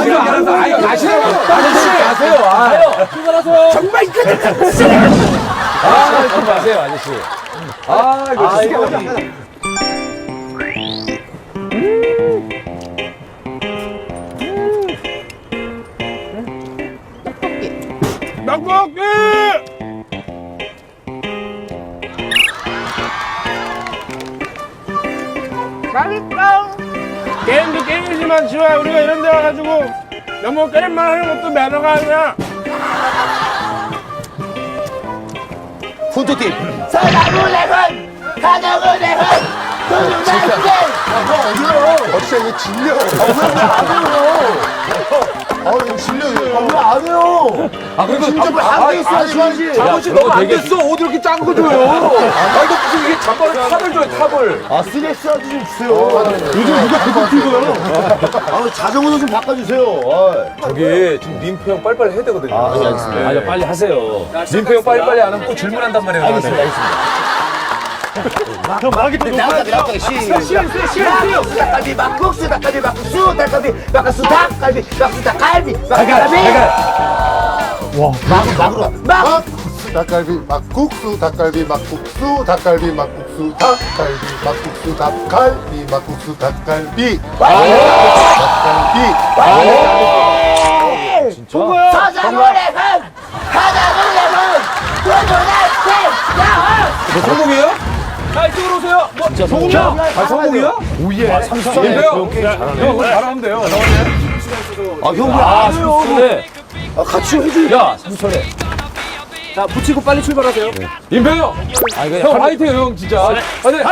아이, 가시라고. 아저씨, 가세요. 가요. 출발하세요. 정말 끝까지. 좀 가세요, 아저씨. 이거 진짜. 떡볶이! 맛있다. 게임도 게임이지만 지호야, 우리가 이런 데 와가지고 너무 게임만 하는 것도 매너가 아니야. 푼토팀. 사랑을 내건 가정을 내건 진짜 이거 질려. 이거 질려. 왜안 해요? 그리고 진짜 뭐한개 있어야지. 잠옷이 너무 안 됐어. 옷 이렇게 짠 거 줘요. 이거 무슨 이게 잠바를 탑을 줘요, 탑을. 스트레스 좀 주세요. 요즘 누가 그거 뛰고요? 자전거도 좀 바꿔주세요. 저기 지금 민표 형 빨리빨리 해야 되거든요. 알겠습니다. 아니, 빨리 하세요. 민표 형 빨리빨리 안 하면 또 질문한단 말이에요. 알겠습니다. 형 말하기 좀 나가기 시간 닭갈비 막국수 닭갈비 막국수 닭갈비 막국수 닭갈비 막국수 닭갈비 막국수 닭갈비 막국수 닭갈비 막국수 닭갈비 막국수 닭갈비 막국수 닭갈비 막국수 닭갈비 진짜? 사장을 내건 가정을 내건 뭐 성공이에요? 자, 이쪽으로 오세요. 진짜 성공이야? 성공이야? 오예. 민표 형. 형, 그거 잘하면 돼요. 형 삼촌에. 같이 해줘. 야, 삼촌에. 자, 붙이고 빨리 출발하세요. 임표 형. 형 화이팅 형 진짜. 화이팅.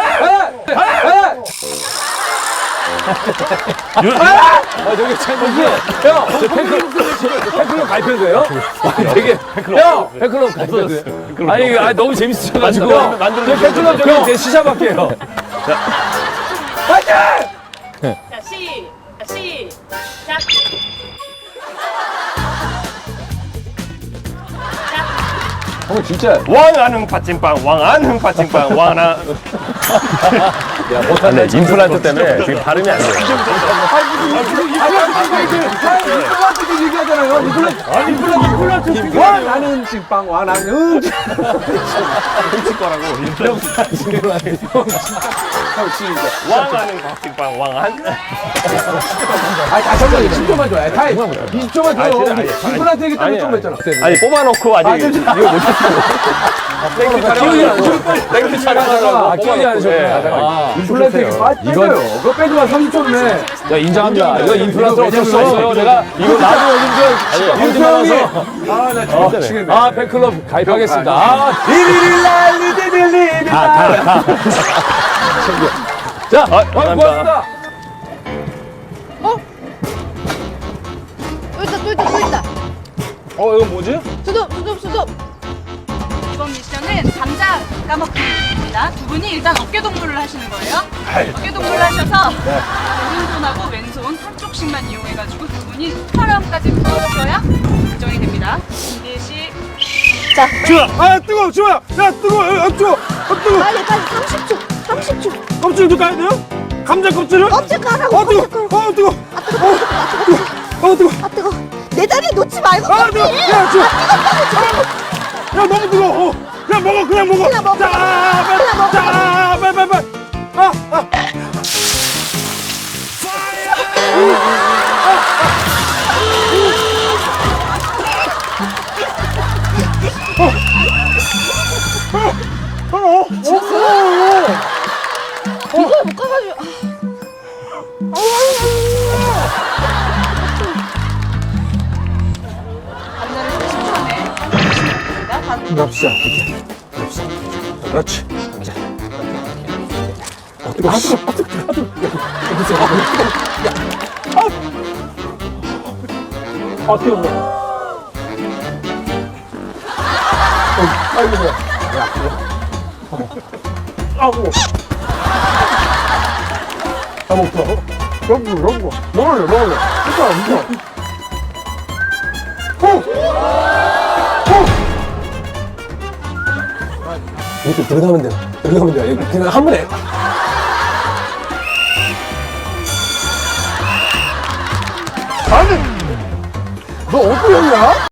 저기 챔피언. 형, 저 팬클럽 가입해도돼요? 되게 형, 팬클럽 가입해도돼요? 아니, 너무 재밌으셔가지고. 저 팬클럽 저기 제 시작할게요. 화이팅! 자, 시작. 형 진짜. 왕하는 팥찐빵, 왕하는 팥찐빵, 왕하. 야, 못하네. 임플란트 때문에 지금 발음이 안 돼요. 임플란트 얘기하잖아요. 임플란트. 나는 찐빵, 나는 왕하는 팥찐빵, 왕한. 다시 한 번 20초만 줘요. 타임. 20초만 줘요. 임플란트 얘기 때문에 좀 했잖아. 아니, 뽑아놓고 아직 이거 못했어. 땡큐 촬영하다가 기억이 안 나셨구나. 임플란트 얘기 빠져요. 그거 빼지만 30초네. 야, 인정합니다. 이거 임플란트 어쩔 수 없어요. 내가 이거 나도 요즘 임표 형이 나 팬클럽 가입하겠습니다. 자, 고맙습니다. 또 있다. 이건 뭐지? 수습. 이번 미션은 감자 까먹기입니다. 두 분이 일단 어깨 동무를 하시는 거예요. 어깨 동무를 하셔서 오른손하고 왼손 한쪽씩만 이용해가지고 두 분이 휘파람까지 불어주셔야 결정이 됩니다. 준비 시작. 주아, 뜨거워, 주아. 야, 뜨거워, 뜨거워. 빨리 30초. 껍질도 까야 돼요? 감자 껍질을? 껍질 까라고. 뜨거워. 뜨거. 내 다리 놓지 말고. 뜨거워. 야, 주아. 야, 너무 뜨거워. 야, 그냥 먹어. 그냥 먹어. 자, 빨리. 이걸 못 가가지고. 감자를 30초 내에 하시면 됩니다. 납시다. 그렇지. 자. 뜨거워. 뜨거워. 아이고. 아이고. 먹어. 이렇게 들어가면 돼. 그냥 한 번에. 아니, 너 어디 형이야?